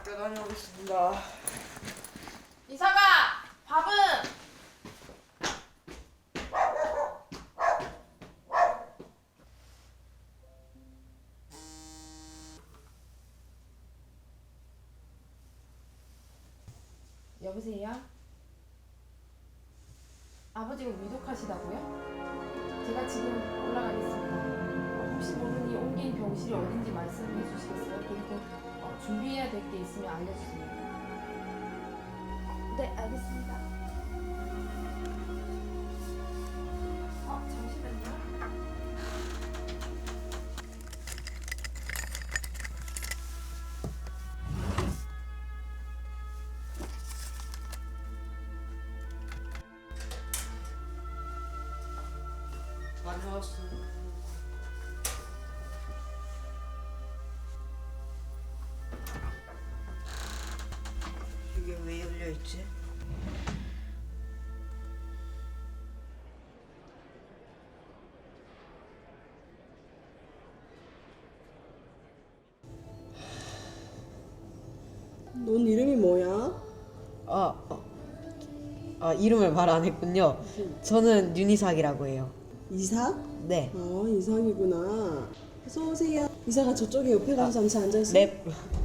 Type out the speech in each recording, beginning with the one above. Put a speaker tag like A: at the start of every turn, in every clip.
A: 학교 다녀오겠습니다.
B: 이사가 밥은? 여보세요? 아버지가 위독하시다고요? 제가 지금 올라가겠습니다. 혹시 모르니 옮긴 병실이 어딘지 말씀해 주시겠어요? 그리고 준비해야 될 게 있으면 알려주세요. 네, 알겠습니다. 잠시만요.
A: 다녀왔습니다. 이게 왜 열려있지?
C: 넌 이름이 뭐야?
D: 이름을 말 안 했군요. 저는 윤희삭이라고 해요.
C: 이삭?
D: 네.
C: 이삭이구나. 어서 오세요. 이삭아 저쪽에 옆에 가서 잠시 앉아있어.
D: 네.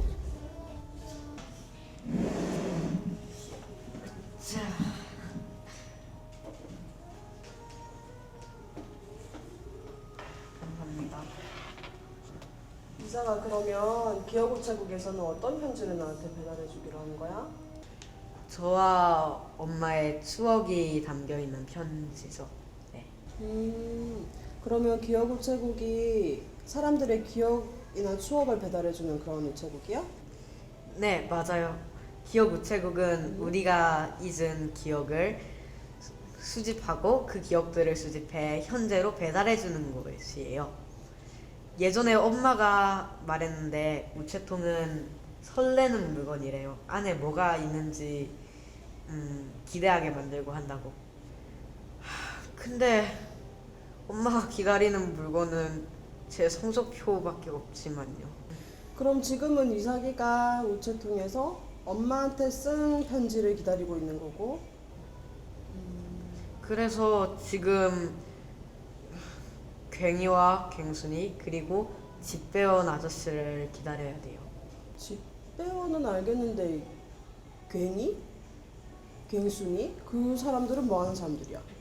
D: 감사합니다.
C: 이삭아 그러면 기업우체국에서는 어떤 편지를 나한테 배달해주기로 하는 거야?
D: 저와 엄마의 추억이 담겨 있는 편지죠. 네.
C: 그러면 기업우체국이 사람들의 기억이나 추억을 배달해주는 그런 우체국이야?
D: 네, 맞아요. 기억 우체국은 우리가 잊은 기억을 수집하고 그 기억들을 수집해 현재로 배달해 주는 곳이에요. 예전에 엄마가 말했는데 우체통은 설레는 물건이래요. 안에 뭐가 있는지 기대하게 만들고 한다고. 근데 엄마가 기다리는 물건은 제 성적표밖에 없지만요.
C: 그럼 지금은 이삭이가 우체통에서 엄마한테 쓴 편지를 기다리고 있는 거고
D: 그래서 지금 괭이와 괭순이 그리고 집 배운 아저씨를 기다려야 돼요.
C: 집배원은 알겠는데 괭이? 괭순이? 그 사람들은 뭐 하는 사람들이야?